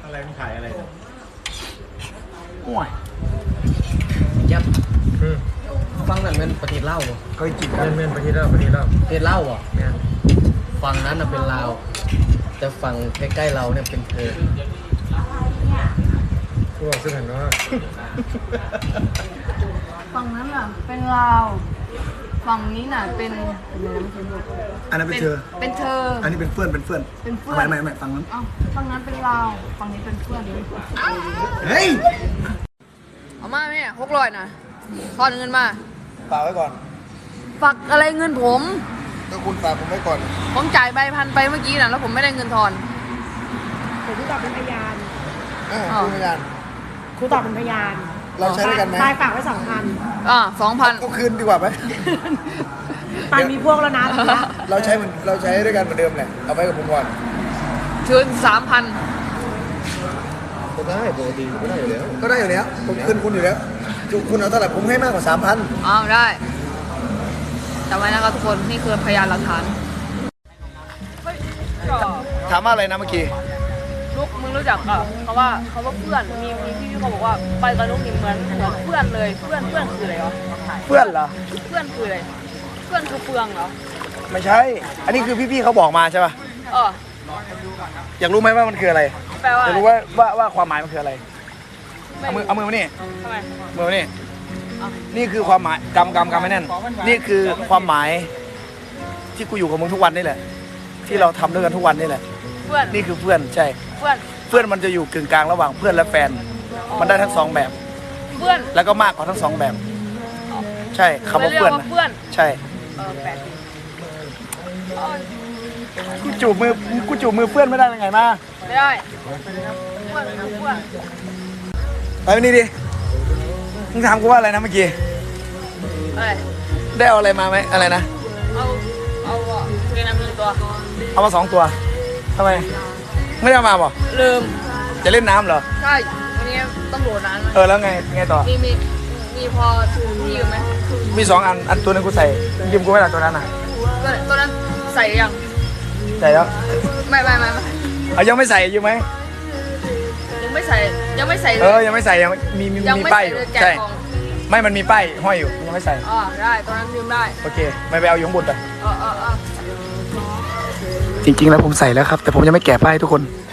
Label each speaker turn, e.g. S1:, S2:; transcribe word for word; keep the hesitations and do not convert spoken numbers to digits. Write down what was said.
S1: อะไรมันขายอะไร
S2: ห่วย
S3: ยับฟังนั่นเป็นประเทศลาวบ่
S2: เคยกิน
S1: เม่นเม่นประเทศเราประเทศเรา
S3: ประเทศลาวบ่
S1: แม่น
S3: ฝั่งนั้นน่ะเป็นลาวแต่ฝั่งใกล้ๆเราเนี่ยเป็นเธอ
S1: พวกซึ่งเห็นว่า
S4: ฝั่งนั้นน่ะเป็นลาว ฝั่งนี้น่ะเป็นเป็นอะไรไม่ใช่ลูก
S2: อันนั้นเป็นเธอ
S4: เป็นเธอ
S2: อันนี้เป็นเพื่อนเป็นเพื่อน
S4: เป็นเพื่อน
S2: ไม่ไม่ไม่ฟังนั้น
S4: เอ้าฝั่งนั้นเป็นลาว ฝั่งนี้เป็นเพื่อน
S2: เฮ้ย
S4: เอามาแม่หกร้อยนะทอนเงินมา
S2: ฝากไว้ก่อน
S4: ฝากอะไรเงินผม
S2: ก็คุณฝากผมไว้ก่อน
S4: ผมจ่ายใบพันไปเมื่อกี้นะแล้วผมไม่ได้เงินทอน
S5: ผมครูตอบเป็นพยาน
S2: เออคุณพยาน
S5: ครูตอบเป็นพยาน
S2: เราใช้ด้วยกันไหม
S5: ตายฝากไว้สองพัน
S4: อ่าสองพัน
S2: ก็คืนดีกว่าไหม
S5: ตายมีพวกแล้วนะทีละ
S2: เราใช้เหมือนเราใช้ด้วยกันเหมือนเดิมแหละเอาไว้กับผมก่อน
S4: เชิญสามพัน
S1: ก็ได้ปกติก็ได้อยู่แล้ว
S2: ก็ได้อยู่แล้วผมคืนคุณอยู่แล้วคุณเอาเท่าไหร่ผมให้มากกว่าสามพัน
S4: อ้าวได้จำไว้นะครับทุกคนนี่คือพยานหลักฐาน
S2: ถามว่าอะไรนะเมื่อกี้
S4: ลูกมึงรู้จักอ่ะเขาว่าเขาว่าเพื่อนมีมีพี่เขาบอกว่าไปกับลูกนี่เหมือนเหมือนเพื่อนเลยเพื่อนเพื่อนคืออะไรวะ
S2: เพื่อนเหรอ
S4: เพื่อนคืออะไรเพื่อนคือเฟืองเหรอ
S2: ไม่ใช่ อันนี้คือพี่ๆเขาบอกมาใช่ป่ะ
S4: เออ
S2: อยากรู้ไหมว่ามันคืออะไร
S4: แปลว่า
S2: อยากรู้ว่าว่าว่าความหมายมันคืออะไร
S4: ไม่
S2: เอามือเอามือมานี่
S4: ทำไม
S2: มือมานี่นี่คือความหมายกำกำกำไม่แน่นนี่คือความหมายที่กูอยู่กับมึงทุกวันนี่แหละ ที่เราทำด้วยกันทุกวันนี่แหละ
S4: เพื่อน
S2: นี่คือเพื่อนใช่
S4: เพื่อน
S2: เพื่อนมันจะอยู่กึ่งกลางระหว่างเพื่อนและแฟน มันได้ทั้งสองแบบ
S4: เพื่อน
S2: แล้วก็มากกว่าทั้งสองแบบ ใช่คำว่า
S4: เรียก
S2: เพื่อน
S4: ว่า
S2: นะ
S4: เพื่อน
S2: ใช่
S4: เออแปลกดีเออ
S2: กูจูบมือกูจูบมือเพื่อนไม่ได้ยังไงมา
S4: ไม่ได้เพื่อนคือเพื่อน
S2: ไปนี่ดิมึงถามกูว่าอะไรนะเมื่อกี้
S4: อะไร
S2: ได้เอาอะไรมาไหมอะไรนะ
S4: เอาเอาอ่ะเกงในมือตัว
S2: เอามาสองตัวทำไมไม่ได้เอามาบ่
S4: ลืม
S2: จะเล่นน้ำเหรอ
S4: ใช่วันนี้ตำรวจนั้น
S2: เออแล้วไงไงต่อ
S4: มีมีมีพอที่อยู่ไหม
S2: มีสองอันอันตัวหนึงกูใส่ยืมกูไม่ได้ตัวนั้นอ่ะ
S4: ตัวตัวนั้นใส่ยัง
S2: ใส่แล้ว
S4: ไม่ไม่ไม่ไม่
S2: เอายังไม่ใส่ยืมไหม
S4: ยังไม่ใส่ยังไม่ใส่เล
S2: เออย ยังไม่ใส่ยังมีมี
S4: ยัง
S2: มี
S4: ไม่
S2: ป้าย
S4: ใส่
S2: อยู่
S4: เลยแกะ
S2: ใช่
S4: กล่อง
S2: ไม่มันมีป้ายห้อยอยู่ยังไม่ใส่
S4: อ๋อได้ตัวนั้นยืมได้
S2: โอเคไม่ไปเอาอยู่ข้างบนไป
S4: เออเออเออ
S2: จริงๆแล้วผมใส่แล้วครับ แต่ผมยังไม่แกะป้ายให้ทุกคน